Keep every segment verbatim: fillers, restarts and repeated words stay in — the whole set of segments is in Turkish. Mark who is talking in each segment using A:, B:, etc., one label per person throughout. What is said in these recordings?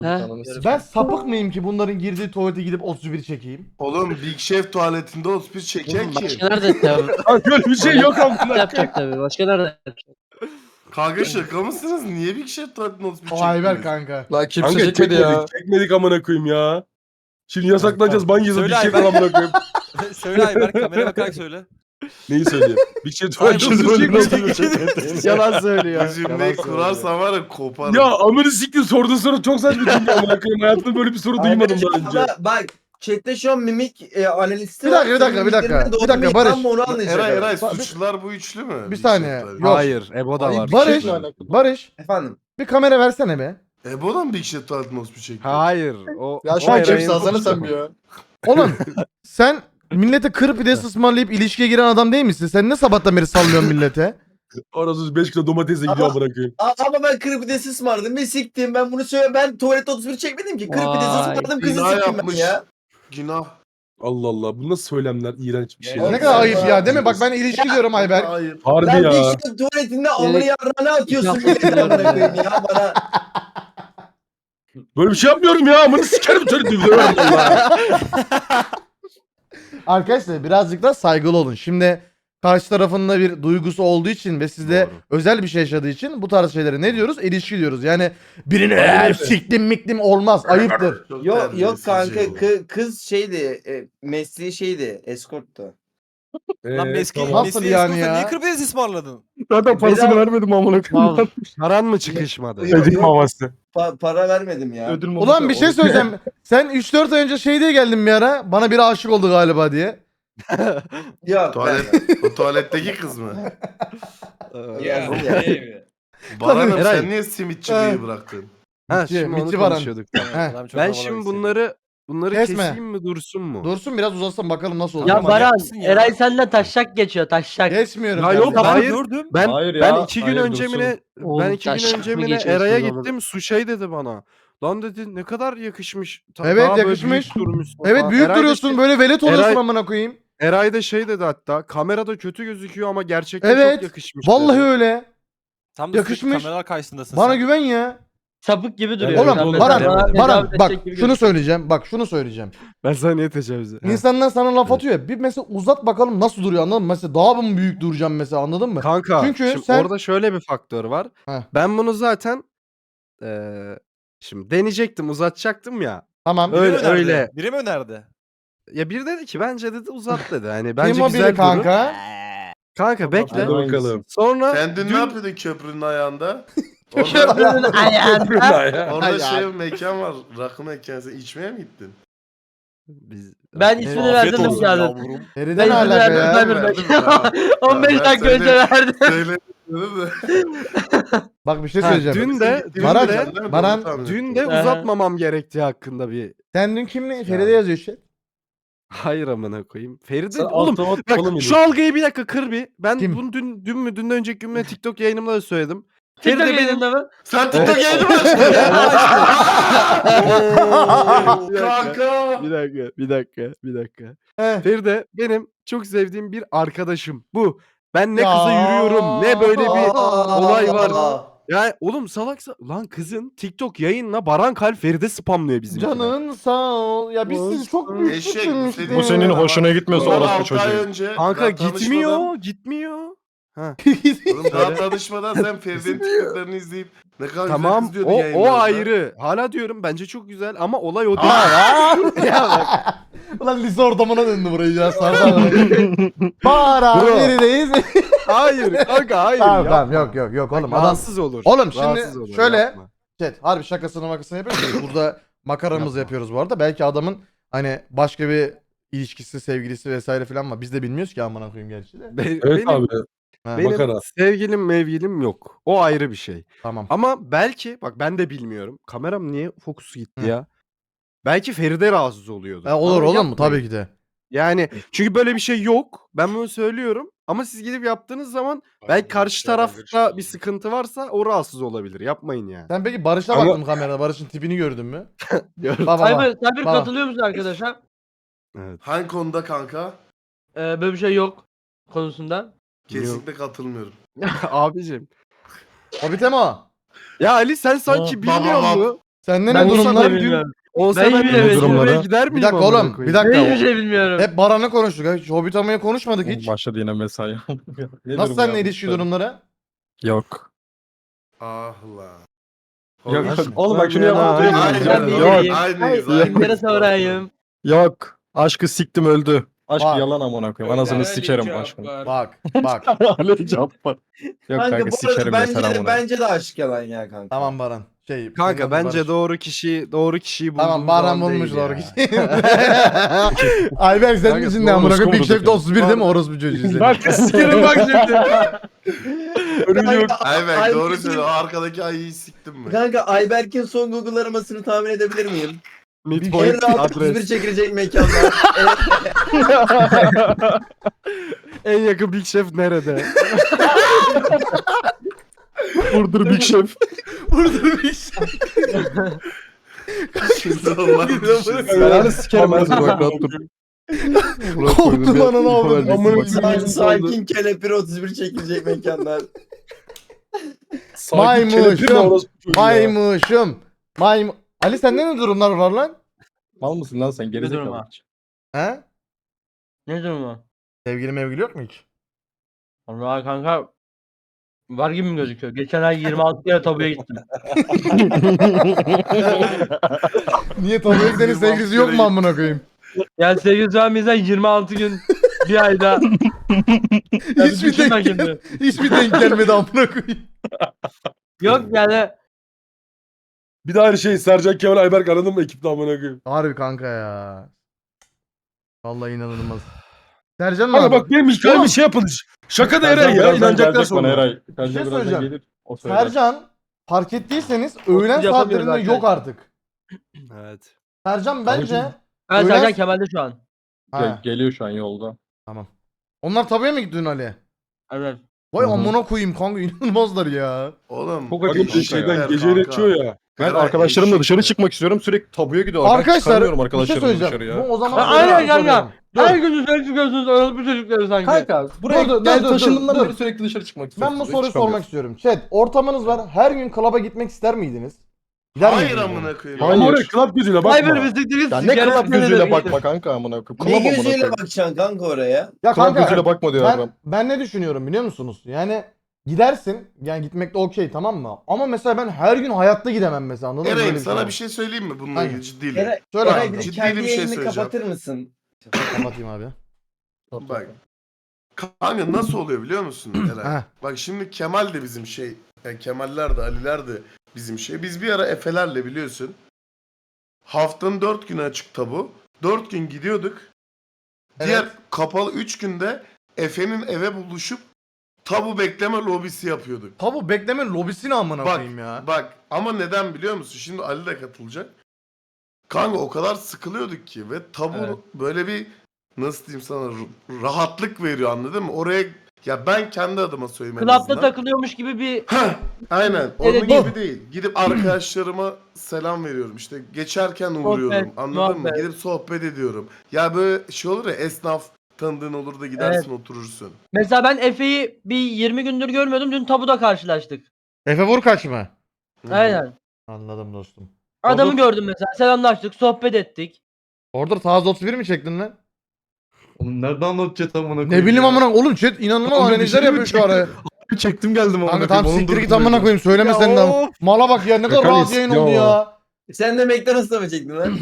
A: Heh.
B: Ben sapık mıyım ki bunların girdiği tuvalete gidip otuz bir çekeyim?
C: Oğlum Big Chef tuvaletinde otuz bir çeken
A: Oğlum
C: kim?
A: başka nerede tabii.
D: Kanka öyle bir şey yok amına.
A: yapacak tabii. Başka nerede yapacak?
C: Kanka şaka mısınız? Niye Big Chef tuvaletinde otuz bir
B: O
C: çektiniz?
B: Ayber kanka.
E: Lan kimse
D: Kanka
E: çekmedi
D: çekmedik,
E: ya.
D: çekmedik amına koyayım ya. Şimdi yasaklanacağız, ban yazıp bir
F: Söyle
D: şey
F: Ayber.
D: falan amına koyayım.
F: Söyle Ayber, kameraya bakarak söyle.
D: Neyi söyleyeyim? Bir şey
F: Ayber,
D: tuvaletinde
E: Yalan söylüyor.
C: Bu cümleyi kurarsan var ya koparım.
D: Ya amını siktir, sorduğun soru çok saçma çünkü amına koyayım. Hayatımda böyle bir soru duymadım daha önce.
G: Ama bak chatte şu an mimik e, analisti
B: Bir
G: var.
B: dakika, bir dakika, bir dakika.
G: Mimiklerinden doğru
B: Bir dakika,
G: mimik
B: Barış.
G: var mı onu anlayacak.
C: Eray
G: abi.
C: Eray
B: Bak,
C: suçlular bu üçlü mü?
B: Bir
C: Big
B: saniye.
C: Chef tuvaleti.
B: Yok.
E: Hayır, Ebo da var.
B: Barış, Barış
G: Efendim.
B: bir kamera versene be.
C: Ebo'dan mı Big Chef tuvaletinde otuz bir çekti?
E: Hayır. O
H: Ya
E: o
H: şu an
E: Eray'ın-
H: kimse alsana sen bir ya.
B: Oğlum sen millete kır pidesi ısmarlayıp ilişkiye giren adam değil misin? Sen ne sabahtan beri sallıyorsun millete?
D: Orası beş kilo domatesle gidiyor amına koyayım.
G: A- ama ben kırık pidesi ısmarladım ve siktim. Ben bunu söyle ben tuvalette otuz bir çekmedim ki. Kırık pidesi
A: Vay,
G: ısmarladım kızı
C: Günah
G: siktim ben
C: yapmış.
G: ya.
C: Günah.
D: Allah Allah, bu nasıl söylemler, iğrenç bir şey.
G: Ya
B: Ne kadar ayıp ya değil mi? Bak ben ilişki diyorum Ayber.
C: Hayır.
D: Harbi
G: Lan
D: ya.
G: bir kişinin tuvaletinde amını
A: Direkt-
G: yarrağına atıyorsun
A: Laf
G: milletin amına
A: atıyorlar
G: koyayım ya bana.
D: Böyle bir şey yapmıyorum ya, amını sikerim seni dövüyorum Allah.
B: Arkadaşlar birazcık da saygılı olun. Şimdi karşı tarafında bir duygusu olduğu için ve sizde
D: Doğru.
B: özel bir şey yaşadığı için bu tarz şeylere ne diyoruz? İlişki diyoruz. Yani birini
D: Aynen
B: eğer
D: öyle.
B: siktim miktim olmaz. Ayıptır.
C: Çok
G: Yok yok
C: terbiyesiz
G: kanka
C: şey bu.
G: kı- kız şeydi e, mesleği şeydi eskorttu.
F: Lan
D: Ee,
F: meski,
D: tamam.
B: Nasıl
F: mesleği
B: yani
F: yani
B: ya?
F: Niye kırpidesi ısmarladın?
D: Zaten parasını vermedim amına koyayım.
E: Mal, paran mı çıkışmadı?
G: Yok,
D: Ödül
G: yok,
D: maması.
G: pa- para vermedim ya.
H: Ödül
B: Ulan bir şey söyleyeceğim. Sen üç dört ay önce şey diye geldin bir ara. Bana biri aşık oldu galiba diye.
G: Yok
C: Tuvalet, o tuvaletteki kız mı?
G: Yazdım ya.
C: Baran'ım
E: Eray.
C: sen niye simitçiliği bıraktın?
E: Ha
B: Mitçi,
E: şimdi onu
B: Mitçi Baran.
E: konuşuyorduk.
B: Heh.
F: Adam çok
E: Ben
F: havalı
E: şimdi
F: bir
E: bunları bunları
B: Kesme.
E: keseyim mi dursun mu?
B: Dursun biraz uzasın bakalım nasıl
A: Ya
B: olacak.
F: Manyak
A: Baran,
F: mısın ya?
A: Eray senden taşşak geçiyor taşşak.
B: Geçmiyorum.
E: Ya
B: ben
E: yok,
B: de.
F: Ben
E: hayır.
F: gördüm.
E: Ben
H: Hayır ya,
E: ben iki gün
H: hayır,
E: önce
H: dursun.
E: mi ne
A: Oğlum,
E: ben iki gün
A: taşak
E: önce
A: mı
E: mi ne
A: geçiyorsunuz
E: Eray'a
A: oğlum?
E: gittim, su şey dedi bana. Lan dedi ne kadar yakışmış. Ta-
B: Evet,
E: daha böyle
B: yakışmış.
E: büyük durmuşsun
B: Evet
E: falan.
B: büyük
E: Eray da
B: duruyorsun
E: şey-
B: böyle velet oluyorsun
E: Eray-
B: amına koyayım.
E: Eray da şey dedi hatta, kamerada kötü gözüküyor ama gerçekten
B: Evet,
E: çok yakışmış
B: Vallahi
E: dedi.
B: öyle.
F: Tam da
B: Yakışmış.
F: sürekli kameralar karşısındasın
B: Bana
F: sen.
B: güven ya.
A: Sapık gibi duruyor.
B: Oğlum
A: Sen
B: Baran,
A: mesela bana
B: Baran
A: tecavüz
B: bak
A: edecek gibi
B: şunu
A: gözüküyor.
B: söyleyeceğim. Bak şunu söyleyeceğim.
E: Ben sana niye tecavüz ettim?
B: İnsanlar sana laf atıyor ya. Bir mesela uzat bakalım nasıl duruyor anladın mı? Mesela daha mı büyük duracağım mesela anladın mı?
E: Kanka
B: Çünkü
E: şimdi
B: sen-
E: orada şöyle bir faktör var.
B: Heh.
E: Ben bunu zaten eee şimdi deneyecektim, uzatacaktım ya.
B: Tamam.
F: Biri mi
E: Öyle-
F: önerdi?
E: öyle.
F: Biri mi önerdi?
E: Ya bir dedi ki bence dedi uzat dedi. Hani bence
B: Kim o
E: güzel
B: biri
E: durur.
B: kanka?
E: Kanka bekle.
D: Hadi bakalım.
E: Sonra
C: Sen dün,
E: dün-
C: ne yapıyordun köprünün ayağında?
A: Köprünün
C: Orada,
A: ayağında.
C: orada
B: Ay,
C: şey
B: ay.
C: bir mekan var. Rakı mekanı. Sen içmeye mi gittin?
E: Biz
A: Ben
E: Evet.
A: ismini
F: Afiyet
A: verdim
F: olsun
A: yani.
F: yavrum.
B: Feride
A: Ben
B: ne
A: ismini
B: alaka
A: verdim.
B: ya?
A: Ben bir
C: Verdim
A: dakika.
C: ya.
A: on beş
C: Ben
A: dakika önce
C: söyle-
A: verdim.
C: Söyledim de.
B: Bak bir şey
E: Ha,
B: söyleyeceğim.
E: dün de dün
B: Baran-
E: de
B: Baran-
E: dün de
A: Aha.
E: uzatmamam gerektiği hakkında bir
B: Sen dün kimle? Feride yazıyor işte.
E: hayır amına koyayım. Feride
H: Sen
E: oğlum
H: otomatik
E: bak
H: oğlum
E: şu algıyı bir dakika kır bir. Ben
B: Kim?
E: bunu dün dün mü dünden önceki gün mü TikTok yayınımda da söyledim.
A: TikTok
E: Feride benim
A: yayınında mı?
C: Sen TikTok yayını mı açtın? Oo,
E: Bir dakika.
C: Kanka.
E: bir dakika, bir dakika, bir dakika.
B: Heh.
E: Feride benim çok sevdiğim bir arkadaşım. Bu. Ben ne
B: Ya.
E: kıza yürüyorum, ne böyle bir olay var.
G: Aa.
E: Ya oğlum salaksa lan kızın TikTok yayınla Baran Kalp Feride spamlıyor bizim.
B: Canın sağ ol. Ya biz sizi çok büyük
C: Eşek,
B: düşünmüştük.
H: Bu senin hoşuna gitmiyorsa
C: Son
H: orospu
C: altı ay
H: çocuğu.
C: önce.
E: Kanka
C: daha
E: gitmiyor,
C: tanışmadan-
E: gitmiyor. Ha.
C: Oğlum daha tanışmadan sen Feride'nin TikTok'larını izleyip ne kadar
E: Tamam
C: güzel kız diyordun
E: o, o
C: yayınlarda.
E: ayrı. Hala diyorum bence çok güzel ama olay o değil.
B: ya bak. Ulan lise ortamına döndü burayı ya. Sardan. Para
E: Bro.
B: neredeyiz?
E: Hayır kanka hayır.
B: tamam
E: yapma.
B: tamam yok yok yok oğlum. Adam
E: Rahatsız olur.
B: Oğlum şimdi
E: rahatsız olur,
B: şöyle-
E: yapma.
B: Chat harbi şakasını makasını yapıyoruz. Burada makaramızı yapıyoruz bu arada. Belki adamın hani başka bir ilişkisi, sevgilisi vesaire falan var. Biz de bilmiyoruz ki amına koyayım gerçi de.
E: Be-
D: Evet
E: benim,
D: abi.
B: Ha,
E: benim
D: makara.
E: sevgilim mevgilim yok. O ayrı bir şey.
B: Tamam.
E: Ama belki bak ben de bilmiyorum. Kameram niye fokusu gitti
B: Hı.
E: ya? Belki Feride rahatsız oluyordu.
B: Ha, olur
E: Ama
B: oğlum
E: yapmayın.
B: tabii ki de.
E: Yani çünkü böyle bir şey yok. Ben bunu söylüyorum. Ama siz gidip yaptığınız zaman belki karşı tarafta bir sıkıntı varsa o rahatsız olabilir. Yapmayın yani.
B: Sen peki Barış'a
D: Ama-
B: baktın kamerada. Barış'ın tipini gördün mü?
E: Gördüm.
B: Baba bak.
A: Cyber, Cyber
B: Baba.
A: katılıyor musun arkadaşlar?
E: Evet.
C: Hangi konuda kanka?
A: Ee, böyle bir şey yok konusunda.
C: Kesinlikle katılmıyorum.
E: Abicim.
B: O biteme o.
E: Ya Ali sen sanki
C: Baba
E: bilmiyor
C: bak.
E: musun?
B: Sende
A: Ben
B: ne
A: hiçbir
B: durumlar?
A: şey bilmiyorum.
E: Olsa
A: Ben
E: ben
A: yine
E: de
A: evet,
E: durumlara
D: durumlara.
E: gider miyim?
B: Bir dakika
E: amına
B: oğlum. Bir
E: koyayım?
B: dakika.
A: Ben hiçbir şey bilmiyorum.
B: Hep Baran'ı konuştuk. Hiç Hobbit Ama'yı konuşmadık hiç.
D: Başladı yine mesai. Ne
B: Nasıl
D: durum
B: seninle
D: ya?
B: ilişki durumları?
E: Yok.
C: Ah lan.
D: Yok,
C: Oğlum,
D: oğlum bak şunu
E: Ben yana-
D: yapalım.
C: Aynı,
A: Ben bir
E: Yok.
A: vereyim.
C: aynıyız.
A: Ay,
C: aynıyız.
A: kimlere sorayım?
E: Yok. Aşkı siktim öldü.
D: Aşk
B: Bak.
D: yalan amına koyayım. Anasını sikerim aşkını.
B: Bak bak.
D: Ali Cabbar. Yok
G: Kanka,
D: kanka
G: bu arada
D: sikerim
G: bence
D: yeter
G: de,
D: amına.
G: bence de aşk yalan ya kanka.
B: Tamam Baran. Şey,
E: Kanka
B: senin adın
E: bence
B: Barış.
E: doğru kişi doğru kişiyi bulduğun
B: Tamam Baran
E: zaman
B: bulmuş
E: değil
B: doğru
E: ya.
B: kişi. Ayberk senin
E: Kanka,
B: için ne amına koyayım? Big
D: orospu
B: Chef'te otuz bir değil mi? Orospu çocuğu senin.
D: Bak sikerim bak şimdi. Ölüm yok.
C: Ay bak
G: Ay-
C: doğru söylüyor. O arkadaki ayıyı siktim mi?
G: Kanka Ayberk'in son Google aramasını tahmin edebilir miyim?
E: Midpoint
G: En rahat otuz bir
E: adres.
G: çekilecek mekanlar. En-
E: En yakın Big Chef nerede?
D: Vurdur Big Chef.
B: Burada bir şey.
C: Allah düşünsün.
D: Belanı sikerim ben seni.
B: Korktum ananı avradım.
D: Amına
G: Sa-
D: koyayım.
G: Sakin kelepir otuz bir çekilecek mekanlar.
D: Sakin
B: Maymuşum.
D: kelepir mi orospu çocuğu ya?
B: Maymuşum. Maym... Ali sende ne durumlar var lan?
D: Mal mısın lan sen
A: durum
D: gerizekalı.
A: var?
B: He?
A: Ne durumu?
B: Sevgili mevgili yok mu hiç?
A: Allah kanka var gibi mi gözüküyor? Geçen ay yirmi altı kere tabuya gittim.
B: Niye tabii senin
C: yirmi altı
B: sevgilisi yok mu
C: kere
B: amına koyayım?
A: Yani sevgili Zami'den yirmi altı gün bir ayda. Ya bir
B: Hiç mi
A: düşün
B: denk,
A: bakayım
B: gel-
A: bir.
B: hiç mi denk gelmedi amına koyayım?
A: Yok yani
D: Bir daha aynı şey Sercan Kemal Ayberk aradın mı ekipte amına koyayım?
B: Harbi kanka ya. Vallahi inanılmaz. Sercan ne
D: Kanka
B: yapıyor?
D: bak benim hikayemi şey yapın. Şaka da Eray ya. İnanacaklar sonra.
B: Bir şey söyleyeceğim. Sercan fark ettiyseniz öğlen
A: yapamıyoruz
B: saatlerinde
A: arkadaşlar.
B: yok artık.
E: Evet.
B: Sercan bence...
A: ben
B: Öyle-
A: Sercan Kemal'de şu an.
B: Ha,
D: Geliyor şu an yolda.
B: tamam. Onlar tabuya mı gitti dün Ali?
A: Evet.
B: Vay
D: Hı hı.
B: amına koyayım kanka inanılmazlar ya.
C: Oğlum.
D: Çok acayip bir
C: eşekler
D: şeyden
C: kanka.
D: geceyle içiyor ya. Ben
C: Eray,
D: arkadaşlarımla dışarı
C: eşekler.
D: çıkmak istiyorum. Sürekli tabuya gidiyorlar. Ben
B: Arkadaşlar
D: çıkamıyorum
B: bir şey
D: arkadaşlarımla
B: söyleyeceğim.
D: dışarı
B: Bu
D: ya.
B: o zaman
A: Ha,
B: şöyle
A: aynen
B: bir soru
A: kanka.
B: sorayım. Dur.
A: Her gün dışarı çıkıyorsunuz orospu çocukları sanki.
D: Kanka buraya
B: Dur, dur,
D: gel
B: dur, dur,
D: taşındığımdan
B: dur.
D: beri sürekli dışarı çıkmak
B: Ben
D: istiyorum.
B: bu soruyu sormak istiyorum. Chat ortamınız var. Her gün klaba gitmek ister miydiniz? Gider
C: Hayır
B: miydiniz?
C: amına koyayım.
D: Ama oraya club gözüyle bakma.
A: Vay be bizi diriz.
D: Ya ne club gözüyle bakma kanka amına koyayım. Club
G: Ne
D: amına
G: gözüyle
D: koyayım.
G: bakacaksın kanka oraya?
B: Ya
D: Club
B: kanka
D: gözüyle bakma diyor
B: ben,
D: adam.
B: ben ne düşünüyorum biliyor musunuz? Yani gidersin yani gitmek de okey tamam mı? Ama mesela ben her gün hayatta gidemem mesela anladın mı?
C: Eray'ım
B: Böyle
C: sana
B: var.
C: bir şey söyleyeyim mi bununla
B: Aynen.
C: ilgili ciddiyle?
G: Eray,
B: Söyle
G: Eray
B: kanka.
G: bir de
C: Ciddi
G: kendi
C: bir şey
G: yayını
C: söyleyeceğim.
G: kapatır mısın?
B: Kapatayım abi.
C: Bak. Kanka nasıl oluyor biliyor musun Eray?
B: Heh.
C: Bak şimdi Kemal de bizim şey. Yani Kemaller de Aliler de bizim şey. Biz bir ara Efe'lerle biliyorsun. Haftanın dört günü açık tabu. Dört gün gidiyorduk. Diğer
B: Evet.
C: kapalı üç günde Efe'nin eve buluşup tabu bekleme lobisi yapıyorduk.
B: Tabu bekleme lobisini amına
C: Bak,
B: koyayım ya.
C: bak ama neden biliyor musun? Şimdi Ali de katılacak. Kanka o kadar sıkılıyorduk ki ve tabu
D: Evet.
C: böyle bir nasıl diyeyim sana r- rahatlık veriyor anladın mı? Oraya ya ben kendi adıma söyleyeyim en
A: Klapta
C: azından.
A: takılıyormuş gibi bir
C: Heh, aynen. Onun
A: Evet,
C: gibi değil. Gidip arkadaşlarıma selam veriyorum. İşte geçerken uğruyorum.
A: Sohbet,
C: Anladın mı?
A: muhabbet.
C: Gidip sohbet ediyorum. Ya böyle şey olur ya esnaf tanıdığın olur da gidersin oturursun.
A: mesela ben Efe'yi bir yirmi gündür görmüyordum. Dün tabuda karşılaştık.
B: Efe Vurkaç mı?
C: Hı.
A: Aynen.
B: Anladım dostum.
A: Adamı
B: Orada-
A: gördüm mesela. Selamlaştık, sohbet ettik.
B: Orada taze otuz bir mi çektin lan?
H: Oğlum nereden anlatacağız amına koyayım?
B: Ne bileyim
H: ya?
B: amına oğlum chat inanılmaz
H: Oğlum bir
B: analizler
H: şey mi
B: yapıyor şu ara.
H: Çektim geldim amına
B: Kanka
H: koyayım.
B: tam
H: onun
B: siktir git
H: durumunu
B: amına koyayım söyleme
E: Ya
B: sen de.
E: of.
B: Mala bak ya ne kadar
D: Kanka
B: rahat yayın
D: istiyor
B: oldu ya.
G: Sen de McDonald's'ta mı çektin lan?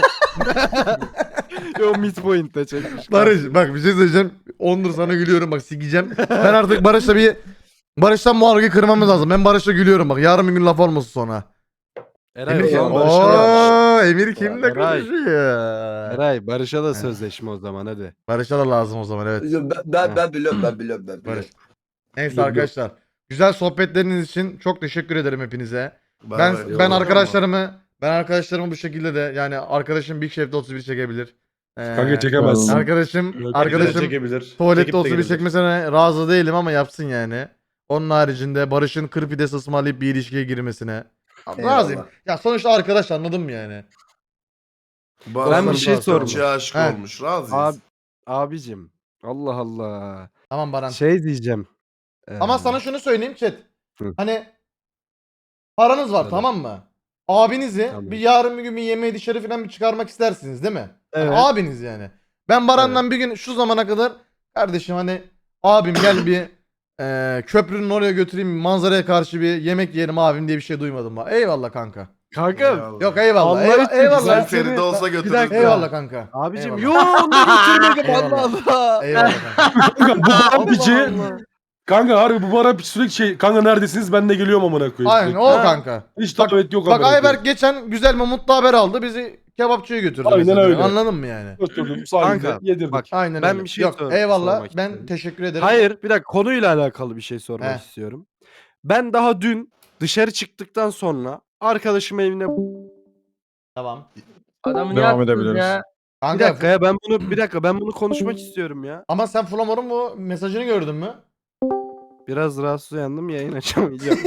E: Yo midpoint'te çekmiş.
B: Barış bak bir şey söyleyeceğim. Ondur sana gülüyorum bak sikeceğim. Ben artık Barış'la bir Barış'tan bu algıyı kırmamız lazım. Ben Barış'la gülüyorum bak. Yarın bir gün laf olmasın sonra.
E: Eray,
B: Emir
E: o
B: kim?
E: zaman Barış'a da,
B: Ooo Emir kimle
E: Eray.
B: konuşuyor?
E: Eray Barış'a da sözleşme o zaman hadi.
B: Barış'a da lazım o zaman evet.
G: ben, ben, ben biliyorum ben biliyorum ben biliyorum.
B: Barış. Neyse
D: Yok, yok.
B: arkadaşlar. Güzel sohbetleriniz için çok teşekkür ederim hepinize.
C: Bay
B: Ben
C: bay.
B: ben
C: Eyvallah.
B: arkadaşlarımı ben arkadaşlarımı bu şekilde de yani arkadaşım Big Chef'de otuz bir çekebilir. Ee,
D: Kanka çekemezsin.
B: Arkadaşım
D: Yok,
B: arkadaşım
H: çekebilir.
B: tuvalette
H: Çekip de
B: otuz bir
H: gelir.
B: çekmesine razı değilim ama yapsın yani. Onun haricinde Barış'ın kır pidesi ısmarlayıp bir ilişkiye girmesine
G: Eyvallah.
B: razıyım. Ya sonuçta arkadaş anladın mı yani?
C: Bu
E: Ben
C: adam
E: bir şey
C: çok
E: soracağım.
C: aşık
B: He.
C: olmuş. Razıyız.
E: Abi, abicim. Allah Allah.
B: Tamam Baran.
E: Şey diyeceğim. Ee,
B: Ama sana şunu söyleyeyim chat.
E: Hı.
B: Hani paranız var
E: Hadi.
B: tamam mı? abinizi
E: Tamam.
B: bir yarın bir gün bir yemeğe dışarı falan bir çıkarmak istersiniz değil mi? Yani
E: Evet.
B: abiniz yani. Ben Baran'dan bir gün şu zamana kadar kardeşim hani abim gel bir e, köprünün oraya götüreyim manzaraya karşı bir yemek yiyelim abim diye bir şey duymadım. Bak. Eyvallah kanka.
E: Kanka
C: Eyvallah.
B: Yok eyvallah.
E: Allah
B: Eyvallah.
E: için
B: eyvallah.
C: Sen
E: seni-
C: Feride olsa
E: Bir
C: götürürdün.
E: dakika.
B: Eyvallah kanka.
E: abicim
B: Eyvallah.
E: yo onu götürmek Allah
B: Eyvallah.
E: Allah.
B: Eyvallah kanka.
D: Kanka bu Baran piçi.
E: Allah Allah.
D: Kanka harbi bu Baran piçi sürekli şey. Kanka neredesiniz ben de geliyorum amına koyayım.
B: Aynen
D: sürekli.
B: o
E: Ha.
B: kanka.
D: Hiç
B: Bak-
D: davet yok
B: Bak
D: amına koyayım.
B: Ayberk geçen güzel bir mutlu haber aldı. Bizi kebapçıya götürdü.
D: Aynen
B: mesela.
D: öyle.
B: Anladın mı yani?
D: Oturdum sahilde
E: Kanka,
D: yedirdik.
E: bak,
B: Aynen
E: Ben
B: öyle.
E: bir şey
B: Yok
E: sor-
B: eyvallah.
E: sormak
B: Ben
E: istiyorum.
B: teşekkür ederim.
E: Hayır bir dakika konuyla alakalı bir şey sormak
B: Heh.
E: istiyorum. Ben daha dün dışarı çıktıktan sonra arkadaşım evine
B: Tamam.
A: Adamı
H: Devam
A: ne
H: edebiliriz.
A: edebiliriz ya?
E: bir
B: Kanka
E: dakika ya ben bunu bir dakika ben bunu konuşmak istiyorum ya.
B: ama sen Flamor'un bu mesajını gördün mü?
E: Biraz rahatsız uyandım yayın açamayacağım.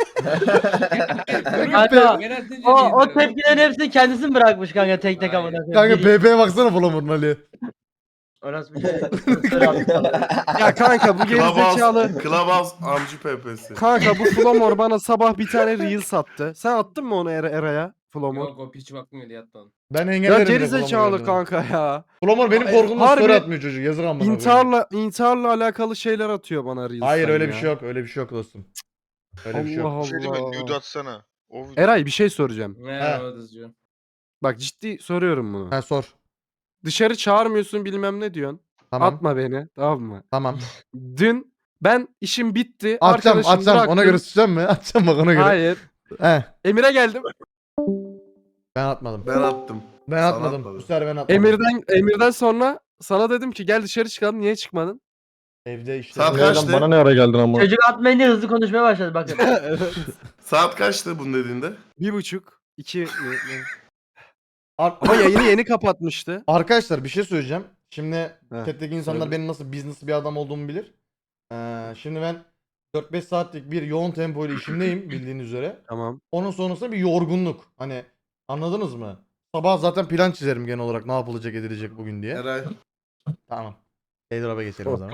A: Kanka o, o tepkilerin hepsini kendisi mi bırakmış kanka tek tek amına koyayım?
B: Kanka
A: Biri-
B: P P'ye baksana Flamor'un Ali.
A: Orası bir şey. Sır attı sana.
E: ya kanka bu gerizekalı.
C: Clubhouse, Clubhouse amcı P P'si.
E: Kanka bu Flomor bana sabah bir tane reel sattı. Sen attın mı onu Era- Era'ya? Flomor.
I: Yok o piç bakmıyor diye attı onu.
B: Ben
E: Ya
B: engellerim.
E: gerizekalı kanka ya.
B: Flamor benim
E: Ay,
B: korkumdan
E: harbi
B: story atmıyor çocuk. Yazık amına koyayım.
E: İntiharla intiharla alakalı şeyler atıyor bana reels'ten
B: Hayır öyle
E: ya.
B: bir şey yok. Öyle bir şey yok dostum. Öyle bir şey
E: Allah
B: yok.
J: Bir şey değil mi?
E: Allah.
J: Nude atsana. O video.
E: Eray bir şey soracağım.
I: Merhaba Dızcı.
E: Bak ciddi soruyorum bunu.
B: Ha sor.
E: Dışarı çağırmıyorsun bilmem ne diyorsun.
B: Tamam.
E: Atma beni tamam mı?
B: Tamam.
E: Dün ben işim bitti.
B: Atacağım
E: arkadaşımı
B: atacağım. Ona
E: bıraktım.
B: göre sıçacağım mı? Atacağım bak ona göre.
E: Hayır.
B: He.
E: Emir'e geldim.
B: Ben atmadım.
C: Ben attım.
B: Ben
C: Sana
B: atmadım.
C: atmadım.
B: Bu sefer ben atmadım.
E: Emir'den Emir'den sonra sana dedim ki gel dışarı çıkalım. Niye çıkmadın?
B: Evde işte.
C: Saat
B: Evde-
C: kaçtı?
H: Bana ne ara geldin ama?
A: Çocuk atmayınca hızlı konuşmaya başladı bakın.
C: Saat kaçtı bunun dediğinde?
E: Bir buçuk. iki. ne- ne?
B: Ar-
E: Ama yayını yeni kapatmıştı.
B: Arkadaşlar bir şey söyleyeceğim. Şimdi
E: Heh,
B: chat'teki insanlar
E: söyle.
B: benim nasıl business bir adam olduğumu bilir. Ee, şimdi ben dört beş saatlik bir yoğun tempoyla işimdeyim bildiğiniz üzere.
E: Tamam.
B: Onun sonrasında bir yorgunluk. Hani anladınız mı? Sabah zaten plan çizerim genel olarak ne yapılacak edilecek bugün diye.
C: Eray.
B: Tamam. Airdrop'a geçelim o zaman.